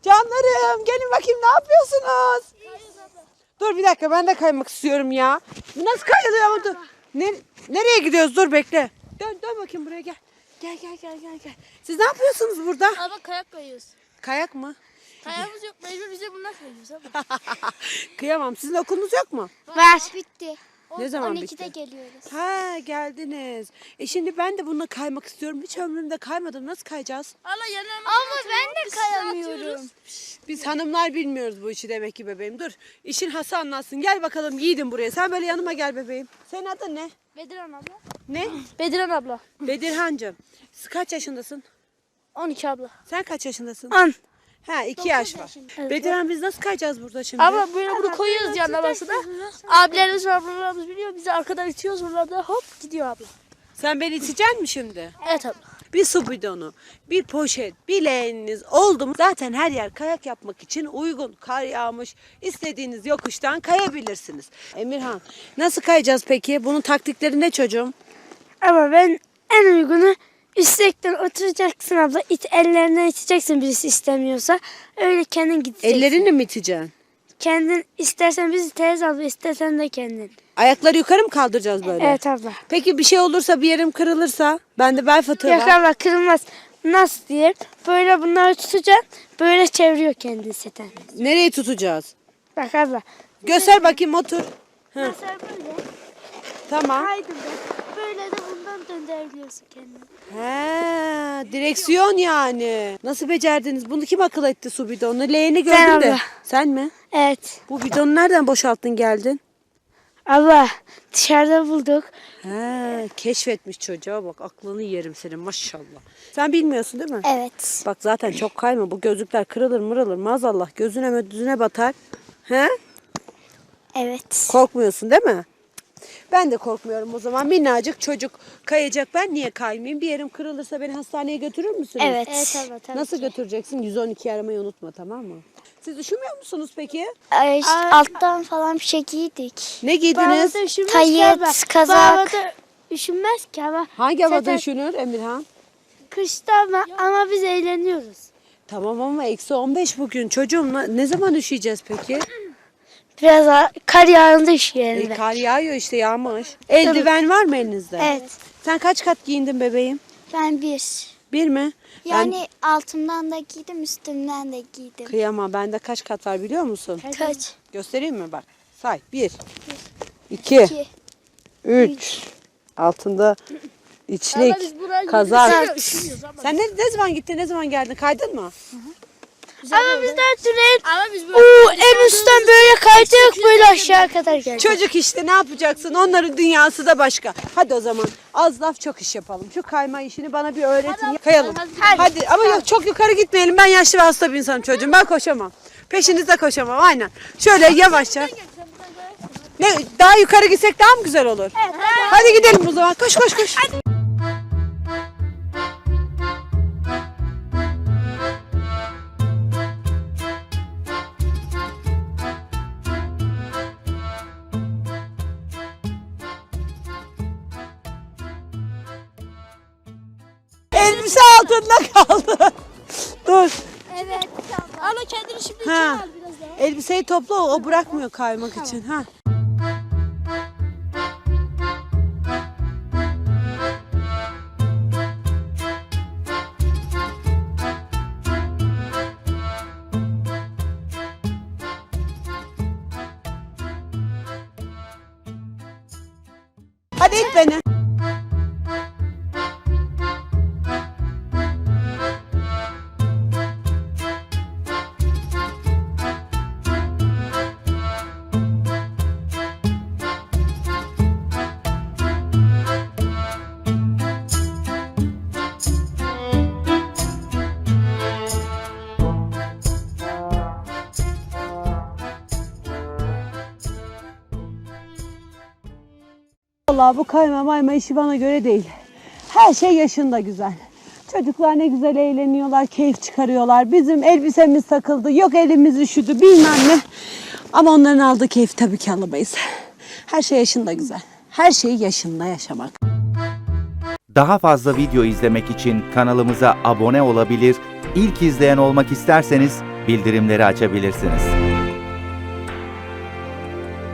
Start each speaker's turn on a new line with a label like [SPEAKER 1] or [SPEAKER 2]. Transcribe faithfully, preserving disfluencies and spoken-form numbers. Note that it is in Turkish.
[SPEAKER 1] Canlarım gelin bakayım ne yapıyorsunuz? Dur bir dakika ben de kaymak istiyorum ya. Bu nasıl kayılıyor ama dur. Ne, nereye gidiyoruz dur bekle. Dön dön bakayım buraya gel. Gel gel gel gel gel. Siz ne yapıyorsunuz burada?
[SPEAKER 2] Ama kayak kayıyoruz.
[SPEAKER 1] Kayak mı?
[SPEAKER 2] Kayağımız yok. Mecbur bize bunlar kayıyoruz ama.
[SPEAKER 1] Kıyamam. Sizin okulunuz yok mu?
[SPEAKER 3] Var. Bitti.
[SPEAKER 1] Ne zaman
[SPEAKER 3] on ikide
[SPEAKER 1] bitti?
[SPEAKER 3] geliyoruz.
[SPEAKER 1] Ha geldiniz. E şimdi ben de bununla kaymak istiyorum. Hiç ömrümde kaymadım. Nasıl kayacağız?
[SPEAKER 2] Allah yanıma.
[SPEAKER 3] Ama ben de kayamıyorum.
[SPEAKER 1] Biz hanımlar bilmiyoruz bu işi demek ki bebeğim. Dur işin hası anlatsın. Gel bakalım yiğidim buraya. Sen böyle yanıma gel bebeğim. Senin adın ne?
[SPEAKER 2] Bediran abla.
[SPEAKER 1] Ne?
[SPEAKER 2] Bediran abla.
[SPEAKER 1] Bedirhancığım. Siz kaç yaşındasın?
[SPEAKER 2] on iki abla.
[SPEAKER 1] Sen kaç yaşındasın?
[SPEAKER 2] on.
[SPEAKER 1] Ha iki yaş var. Bedirhan biz nasıl kayacağız burada şimdi?
[SPEAKER 2] Abla böyle bunu koyuyoruz yanına başına. Abilerimiz var, ablalarımız biliyor. Bizi arkadan itiyoruz. Bunlar da hop gidiyor abla.
[SPEAKER 1] Sen beni iteceksin mi şimdi?
[SPEAKER 2] Evet abla.
[SPEAKER 1] Bir su bidonu, bir poşet, bir leğeniniz oldu mu zaten her yer kayak yapmak için uygun. Kar yağmış, istediğiniz yokuştan kayabilirsiniz. Emirhan, nasıl kayacağız peki? Bunun taktikleri ne çocuğum?
[SPEAKER 3] Ama ben en uygunu üstlükten oturacaksın abla. İt, ellerinden iteceksin birisi istemiyorsa. Öyle kendin gideceksin.
[SPEAKER 1] Ellerini mi iteceksin?
[SPEAKER 3] Kendin istersen bizi teyze abla istersen de kendin.
[SPEAKER 1] Ayakları yukarı mı kaldıracağız böyle?
[SPEAKER 3] Evet abla.
[SPEAKER 1] Peki bir şey olursa bir yerim kırılırsa? Bende bel fıtığı
[SPEAKER 3] Yok
[SPEAKER 1] var.
[SPEAKER 3] abla kırılmaz. Nasıl diyeyim? Böyle bunları tutacaksın. Böyle çeviriyor kendini seten.
[SPEAKER 1] Nereyi tutacağız?
[SPEAKER 3] Bak abla.
[SPEAKER 1] Göster bakayım otur. Hı.
[SPEAKER 3] Mesela böyle.
[SPEAKER 1] Tamam.
[SPEAKER 3] Haydi be. Böyle de bundan döndürebiliyorsun kendini.
[SPEAKER 1] He, direksiyon yani. Nasıl becerdiniz? Bunu kim akıl etti su bidonu? Leğeni
[SPEAKER 3] Ben
[SPEAKER 1] gördüm de.
[SPEAKER 3] abla.
[SPEAKER 1] Sen mi?
[SPEAKER 3] Evet.
[SPEAKER 1] Bu bidonu nereden boşalttın geldin?
[SPEAKER 3] Abla dışarıda bulduk.
[SPEAKER 1] He, keşfetmiş çocuğa bak. Aklını yerim senin maşallah. Sen bilmiyorsun değil mi?
[SPEAKER 3] Evet.
[SPEAKER 1] Bak zaten çok kayma. Bu gözlükler kırılır mırılır maazallah. Gözüne mödüzüne batar. He?
[SPEAKER 3] Evet.
[SPEAKER 1] Korkmuyorsun değil mi? Ben de korkmuyorum o zaman. Minnacık çocuk kayacak. Ben niye kaymayayım? Bir yerim kırılırsa beni hastaneye götürür müsünüz?
[SPEAKER 3] Evet. Evet abla tabii
[SPEAKER 1] Nasıl
[SPEAKER 3] ki.
[SPEAKER 1] götüreceksin? yüz on iki aramayı unutma tamam mı? Siz üşümüyor musunuz peki?
[SPEAKER 3] Ay, işte alttan falan bir şey giydik.
[SPEAKER 1] Ne giydiniz?
[SPEAKER 3] Tayet, kazak. Üşünmez ki ama.
[SPEAKER 1] Hangi havada
[SPEAKER 3] Zaten
[SPEAKER 1] üşünür Emirhan?
[SPEAKER 3] kışta ama, ama biz eğleniyoruz.
[SPEAKER 1] Tamam ama eksi on beş bugün. Çocuğum ne- ne zaman üşüyeceğiz peki?
[SPEAKER 3] Biraz a- kar yağında üşüyelim.
[SPEAKER 1] E, kar yağıyor işte yağmış. Eldiven var mı elinizde?
[SPEAKER 3] Evet.
[SPEAKER 1] Sen kaç kat giyindin bebeğim?
[SPEAKER 4] Ben bir.
[SPEAKER 1] Bir mi?
[SPEAKER 4] Yani altımdan da giydim, üstümden de giydim.
[SPEAKER 1] Ben kıyamam. Bende kaç kat var biliyor musun?
[SPEAKER 4] Kaç?
[SPEAKER 1] Göstereyim mi bak? Say. Bir. iki.
[SPEAKER 4] İki.
[SPEAKER 1] Üç. Altında içlik,
[SPEAKER 2] Biz buraya
[SPEAKER 1] kazak.
[SPEAKER 2] üşümüyoruz ama.
[SPEAKER 1] Sen ne, ne zaman gittin, ne zaman geldin? Kaydın mı?
[SPEAKER 3] Ama biz daha türen
[SPEAKER 2] Ama biz böyle
[SPEAKER 3] Oo, en üstten böyle kaydık böyle aşağı kadar geldik.
[SPEAKER 1] Çocuk işte ne yapacaksın? Onların dünyası da başka. Hadi o zaman az laf çok iş yapalım. Şu kayma işini bana bir öğretin. Kayalım. Hadi. Hadi. Ama yok çok yukarı gitmeyelim. Ben yaşlı ve hasta bir insanım çocuğum. Ben koşamam. Peşinizde koşamam aynen. Şöyle yavaşça. Ne, daha yukarı gitsek daha mı güzel olur? Evet. Hadi gidelim o zaman. Koş koş koş. Elbise altında kaldı. Dur.
[SPEAKER 4] Evet.
[SPEAKER 2] Ama kendini şimdi içine
[SPEAKER 1] Ha.
[SPEAKER 2] al biraz daha.
[SPEAKER 1] Elbiseyi topla o bırakmıyor kaymak için. Ha. Hadi it beni. Vallahi bu kayma mayma işi bana göre değil. Her şey yaşında güzel. Çocuklar ne güzel eğleniyorlar, keyif çıkarıyorlar. Bizim elbisemiz takıldı, yok elimiz üşüdü bilmem ne. Ama onların aldığı keyfi tabii ki alamayız. Her şey yaşında güzel. Her şeyi yaşında yaşamak.
[SPEAKER 5] Daha fazla video izlemek için kanalımıza abone olabilir, ilk izleyen olmak isterseniz bildirimleri açabilirsiniz.